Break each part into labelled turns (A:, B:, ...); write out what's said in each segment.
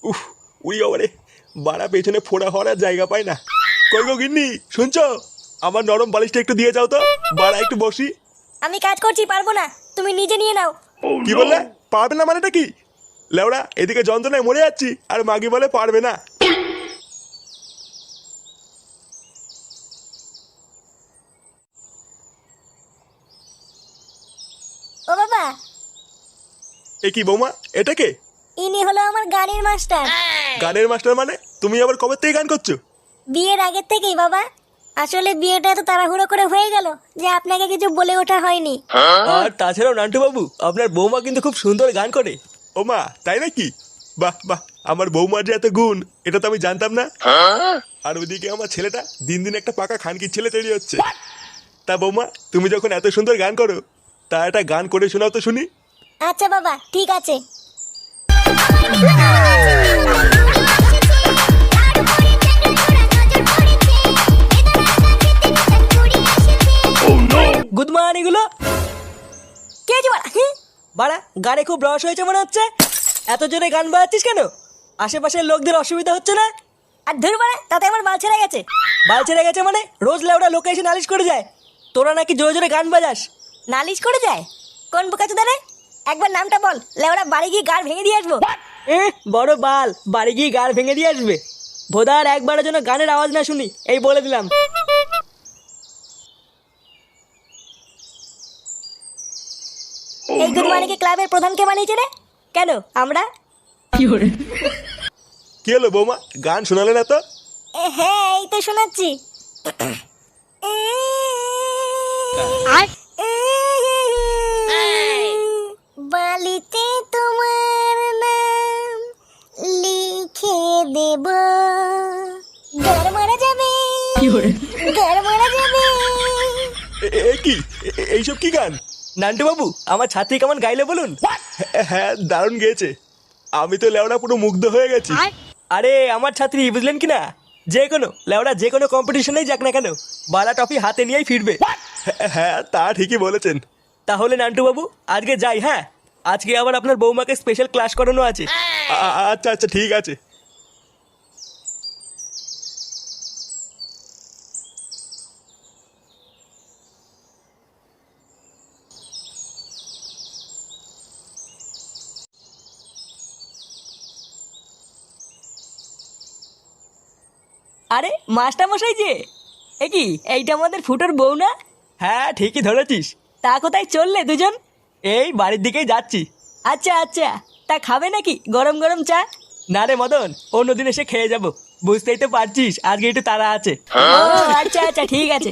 A: উফ, উড়ি বাবারে, বাড়া পেছনে ফোড়া হওয়ার আর জায়গা পায় না। কই গো গিন্নি, শুনছো? আমার নরম বালিশটা একটু দিয়ে যাও তো, বাড়া একটু বসি।
B: আমি কাজ করছি, পারবো না, তুমি নিজে নিয়ে নাও।
A: কি বললে? পারবে না মানেটা কি? লেওড়া, এদিকে যন্ত্রণায় মরে যাচ্ছি আর মাগি বলে পারবে না।
B: ও বাবা,
A: এ কি বৌমা, এটা কে?
B: ইনি হলো আমার গানের মাস্টার।
A: গানের মাস্টার মানে? তুমি আবার কবে থেকে গান করছো?
B: বিয়ের আগের থেকেই বাবা। আসলে বিয়েটা এত তাড়াহুড়ো করে হয়ে গেল যে আপনাকে কিছু বলে ওঠা হয়নি।
C: আর তাছাড়াও নান্টু বাবু, আপনার বৌমা কিন্তু খুব সুন্দর গান করে।
A: ও মা, তাই নাকি? বাহ বাহ, আমার বৌমার যে এত গুণ, এটা তো আমি জানতাম না। আর ওইদিকে আমার ছেলেটা দিন দিন একটা পাকা খানকির ছেলে তৈরি হচ্ছে। তা বৌমা, তুমি যখন এত সুন্দর গান করো, তা একটা গান করে শোনাও তো শুনি।
B: আচ্ছা বাবা, ঠিক আছে।
C: গুড মর্নিং গুলো।
B: কে আছে বাড়া?
C: বাড়া, গানে খুব রস হয়েছে মনে হচ্ছে। এত জোরে গান বাজাচ্ছিস কেন? আশেপাশের লোকদের অসুবিধা হচ্ছে না?
B: আর ধুর বাড়া, তাতে আমার বাল ছেড়ে গেছে।
C: বাল ছেড়ে গেছে মানে? রোজ লেওড়া লোকে এসে নালিশ করে যায় তোরা নাকি জোরে জোরে গান বাজাস।
B: নালিশ করে যায়? কোন বোকাচোদা রে? একবার নামটা বল, লেওড়া বাড়ি গিয়ে গাড় ভেঙে দিয়ে আসবো।
C: বড় বাল, বাড়ি গিয়ে গাড় ভেঙে দিয়ে আসবে? ভোদার একবারের জন্য গানের আওয়াজ না শুনি, এই বলে দিলাম।
B: এই গুরমানিকে ক্লাবের প্রধান কে বানিয়েছে রে? কেন আমরা?
A: কি হলো বৌমা, গান শোনালে না তো?
B: হ্যাঁ, এই তো শোনাচ্ছি। বালিতে তোমার নাম লিখে দেব, গার মারা যাবে, গার মারা যাবে।
A: কি এইসব কি গান?
C: নান্টু বাবু, আমার ছাত্রী কেমন গাইলে বলুন।
A: হ্যাঁ, দারুণ গেয়েছে। আমি তো লেওড়া পুরো মুগ্ধ হয়ে গেছি।
C: আরে আমার ছাত্রী, বুঝলেন কি না? যে কোনো লেওড়া যে কোনো কম্পিটিশনেই যাক না কেন, বালা ট্রফি হাতে নিয়েই ফিরবে।
A: হ্যাঁ, তা ঠিকই বলেছেন।
C: তাহলে নান্টু বাবু, আজকে যাই। হ্যাঁ, আজকে আবার আপনার বৌমাকে স্পেশাল ক্লাস করানো আছে।
A: আচ্ছা আচ্ছা, ঠিক আছে।
C: আরে মাস্টার মশাই যে, এ কি, এইটা আমাদের ফুটোর বউ না? হ্যাঁ, ঠিকই ধরেছিস। তা কোথায় চললে দুজন? এই বাড়ির দিকেই যাচ্ছি। আচ্ছা আচ্ছা, তা খাবে নাকি গরম গরম চা? না রে মদন, অন্যদিন এসে খেয়ে যাব। বুঝতেই তো পারছিস আজকে একটু তাড়া আছে।
B: ও আচ্ছা আচ্ছা, ঠিক আছে।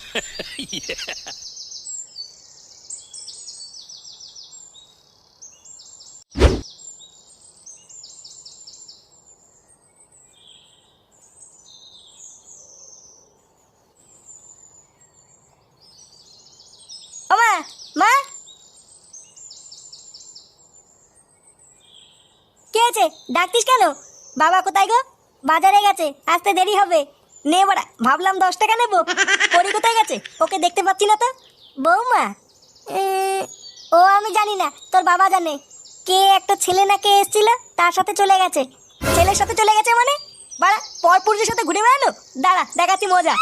B: ও মা, মা, কে আছে? ডাকতিস কেন? বাবা কোথায় গো? বাজারে গেছে, আসতে দেরি হবে। নে বাড়া, ভাবলাম 10 টাকা নেবো। পরি কোথায় গেছে? ওকে দেখতে পাচ্ছি না তো। বৌমা? ও আমি জানি না, তোর বাবা জানে। কে একটা ছেলে না কে এসেছিল, তার সাথে চলে গেছে। ছেলের সাথে চলে গেছে মানে? বাড়া, পরপুরুষের সাথে ঘুরে বেড়ানো? দাঁড়া, দেখাচ্ছি মজা।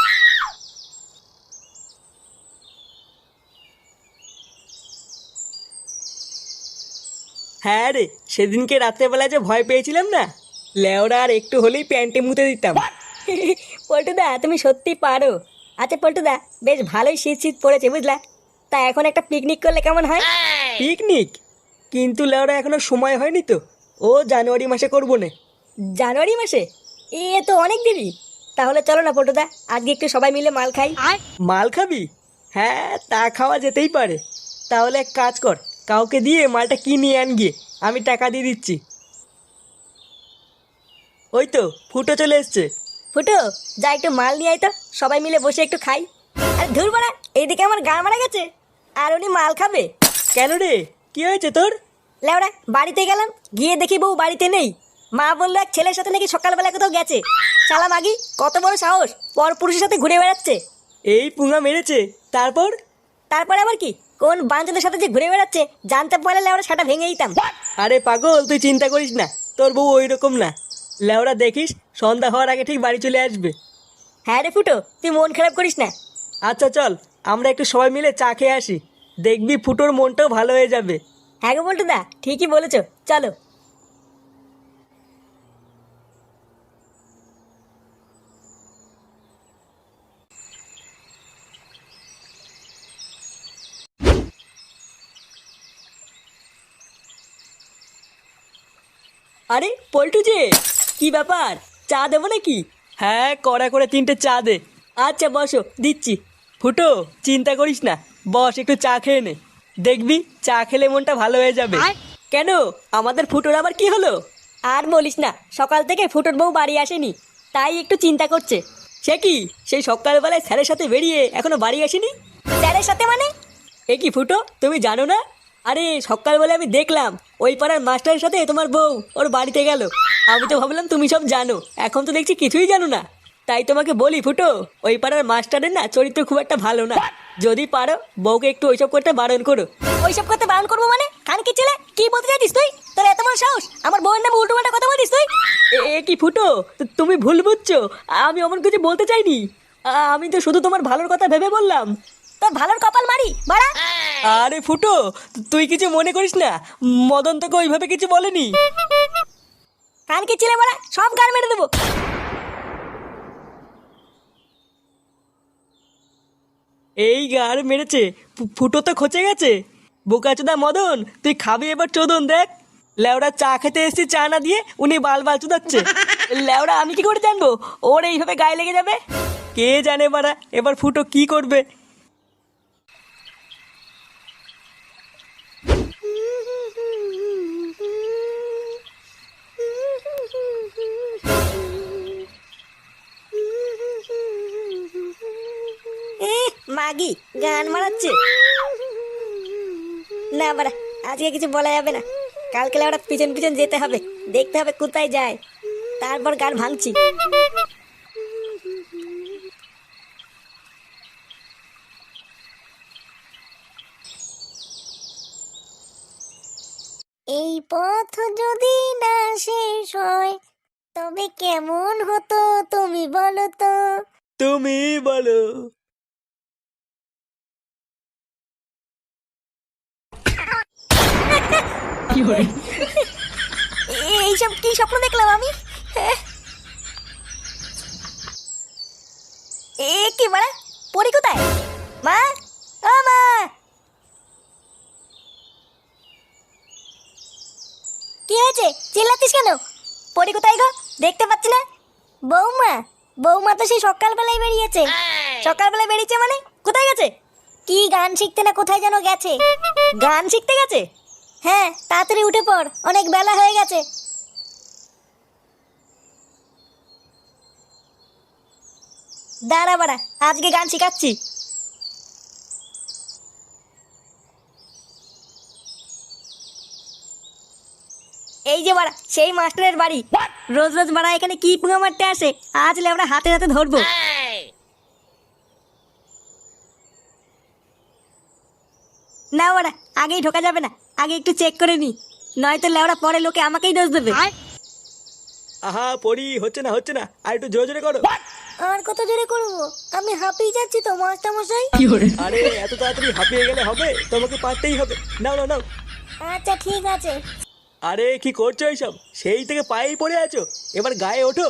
C: হ্যাঁ রে, সেদিনকে রাত্রেবেলায় যে ভয় পেয়েছিলাম না, লেওরা আর একটু হলেই প্যান্টে মুতে দিতাম।
B: পল্টুদা, তুমি সত্যি পারো। আচ্ছা পল্টুদা, বেশ ভালোই শীত শীত পড়েছে বুঝলা। তা এখন একটা পিকনিক করলে কেমন হয়?
C: পিকনিক? কিন্তু লেওরা এখনো সময় হয়নি তো। ও জানুয়ারি মাসে করবো না।
B: জানুয়ারি মাসে? এ তো অনেক দেরি। তাহলে চলো না পল্টুদা, আজকে একটু সবাই মিলে মাল খাই।
C: মাল খাবি? হ্যাঁ, তা খাওয়া যেতেই পারে। তাহলে এক কাজ কর, কাউকে দিয়ে মালটা কিনে আন গিয়ে, আমি টাকা দিয়ে দিচ্ছি। ওই তো ফুটো চলে এসছে।
B: ফুটো, যা একটু মাল নিয়ে আয় তো, সবাই মিলে বসে একটু খাই। আর ধুর বাড়া, এইদিকে আমার গা মারা গেছে, আর উনি মাল খাবে।
C: কেন রে, কি হয়েছে তোর?
B: লেওড়া, বাড়িতে গেলাম, গিয়ে দেখি বউ বাড়িতে নেই। মা বললো এক ছেলের সাথে নাকি সকালবেলা কোথাও গেছে। শালা মাগি, কত বড় সাহস, পর পুরুষের সাথে ঘুরে বেড়াচ্ছে।
C: এই পুঙা মেরেছে? তারপর?
B: তারপরে আবার কি, কোন বাঞ্চদের সাথে যে ঘুরে বেড়াচ্ছে জানতে পারলে লেওড়া সেটা ভেঙে দিতাম।
C: আরে পাগল, তুই চিন্তা করিস না, তোর বউ ওই রকম না। লেওরা দেখিস সন্ধ্যা হওয়ার আগে ঠিক বাড়ি চলে আসবে।
B: হ্যাঁ রে ফুটো, তুই মন খারাপ করিস না।
C: আচ্ছা চল আমরা একটু সবাই মিলে চা খেয়ে আসি, দেখবি ফুটোর মনটাও ভালো হয়ে যাবে।
B: হ্যাঁ গো বল্টুদা, ঠিকই বলেছো, চলো।
C: আরে পল্টু যে, কি ব্যাপার, চা দেবো নাকি? হ্যাঁ কড়া করে 3টে চা দে। আচ্ছা বসো, দিচ্ছি। ফুটো চিন্তা করিস না, বস একটু চা খেয়ে নে, দেখবি চা খেলে মনটা ভালো হয়ে যাবে। কেন, আমাদের ফুটোর আবার কি হলো?
B: আর বলিস না, সকাল থেকে ফুটোর বউ বাড়ি আসেনি, তাই একটু চিন্তা করছে।
C: সে কি, সেই সকালবেলায় স্যারের সাথে বেরিয়ে এখনো বাড়ি আসেনি?
B: স্যারের সাথে মানে?
C: এ কি ফুটো, তুমি জানো না? আরে সকালবেলা আমি দেখলাম ওই পাড়ার মাস্টারের সাথে তোমার বউ ওর বাড়িতে গেল। আমি তো ভাবলাম তুমি সব জানো, এখন তো দেখছি কিছুই জানো না। তাই তোমাকে বলি ফুটো, ওই পাড়ার মাস্টারের না চরিত্র খুব একটা ভালো না। যদি পারো বউকে একটু ওইসব করতে বারণ করো।
B: ওইসব করতে বারণ করবো মানে? খানকি ছেলে, কি বলতে চাইছিস তুই? তোর এত বড় সাহস আমার বউয়ের নামে উল্টো পাল্টা কথা বলছিস তুই?
C: এ কি ফুটো, তুমি ভুল বুঝছো, আমি অমন কিছু বলতে চাইনি। আমি তো শুধু তোমার ভালোর কথা ভেবে বললাম।
B: তোর ভালোর কপাল মারি বাড়া।
C: আরে ফুটো, তুই কিছু মনে করিস না, মদন তোকে ওইভাবে কিছু বলেনি।
B: খানকি ছেলে বাড়া, সব গান মেরে দেবো।
C: এই গার মেরেছে, ফুটো তো খচে গেছে। বোকাচোদা মদন, তুই খাবি এবার চোদন দেখ। লেওড়া চা খেতে এসেছি, চা না দিয়ে উনি বাল বাল চুদাচ্ছে। লেওড়া আমি কি করে জানবো ওর এইভাবে গায়ে লেগে যাবে? কে জানে বাড়া এবার ফুটো কি করবে।
B: মাগি গান মারাচ্ছে না বাড়া, আজকে কিছু বলা যাবে না। কালকে ওরা পিছন পিছন যেতে হবে, দেখতে হবে কোথায় যায়, তারপর গান ভাঙছি। এই পথ যদি না শেষ হয় তবে কেমন হতো তুমি বলো তো?
C: তুমি বলো।
B: এইসব কি স্বপ্ন দেখলাম আমি? এ কি বাড়া, পরি কোথায়? মা, ও মা! কি হয়েছে, চিল্লাচ্ছিস কেন? পরি কোথায় গো, দেখতে পাচ্ছি না। বৌমা, বৌমা তো সেই সকালবেলায় বেরিয়েছে। সকালবেলায় বেরিয়েছে মানে কোথায় গেছে? কি গান শিখতে না কোথায় যেন গেছে। গান শিখতে গেছে? হ্যাঁ, তাড়াতাড়ি উঠে পড়, অনেক বেলা হয়ে গেছে। দাঁড়া বাড়া, আজকে গান শিখাচ্ছি। এই যে বাড়া সেই মাস্টারের বাড়ি। রোজ রোজ বাড়া এখানে কি পুঙা মারতে আসে, আজ আমরা হাতে হাতে ধরবো। না বাড়া, আগেই ঢোকা যাবে না, আগে একটু চেক করে নি, নয়তো লেওড়া পরে লোকে আমাকেই দোষ দেবে।
C: আহা পড়ি, হচ্ছে না হচ্ছে না, আর একটু জোরে জোরে করো।
B: আর কত জোরে করবো, আমি হাঁপিয়ে যাচ্ছি তো মাস্টার মশাই।
C: আরে এত তাড়াতাড়ি হাঁপিয়ে গেলে হবে, তোমাকে পারতেই হবে। নাও নাও নাও।
B: আচ্ছা ঠিক আছে।
C: আরে কি করছো এইসব, সেই থেকে পায়েই পড়ে আছো, এবার গায়ে ওঠো।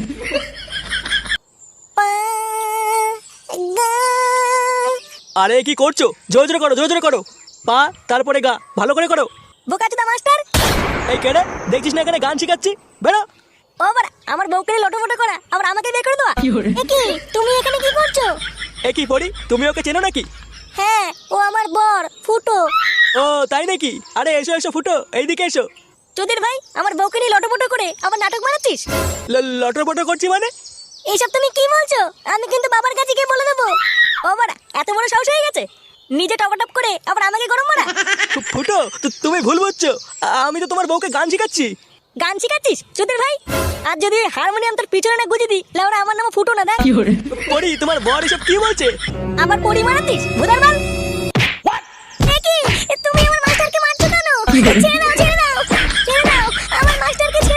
B: পা, গা।
C: আরে কি করছো, জোরে জোরে করো, জোরে জোরে করো। পা তারপরে গা, ভালো করে করো।
B: বোকাচোদা মাস্টার।
C: এই কেডে, দেখছিস না এখানে গান শিখাচ্ছি, বেরো।
B: ও বাড়া, আমার বউকে লোটোমোটো করা, আবার আমাকে বের করে দেওয়া। এ কি, তুমি এখানে কি করছো?
C: এ কি পড়ি, তুমি ওকে চেনো নাকি?
B: হ্যাঁ, ও আমার বর ফুটো।
C: ও তাই নাকি? আরে এসো এসো ফুটো, এইদিকে এসো।
B: তোদের ভাই আমার বউকে নিয়ে লোটোমোটো করে আবার নাটক বানাচ্ছিস?
C: লটর পটর করছি মানে?
B: এইসব তুমি কি বলছো? আমি কিন্তু বাবার কাছে গিয়ে বলে দেবো। ও বাড়া, এত বড় সাহস হয়ে গেছে, নিজে টপাটপ করে আবার আমাকে গরম মারা।
C: ফুটো তুমি ভুল বুঝছো, আমি তো তোমার বউকে গান শিখাচ্ছি।
B: গান শিখাচ্ছিস তোদের ভাই? আর যদি ওই হারমোনিয়াম তোর পিছনে না গুজে দিই, লেওরা আমার নাম ফুটো না দেখ।
C: পড়ি, তোমার বর এসব কি বলছে?
B: আবার পড়ি মারাতিস ভুদার বাল। এ কি, তুমি আমার মাস্টারকে মারছো কেন? ছেড়ে দাও, ছেড়ে দাও, ছেড়ে দাও, আমার মাস্টারকে ছেড়ে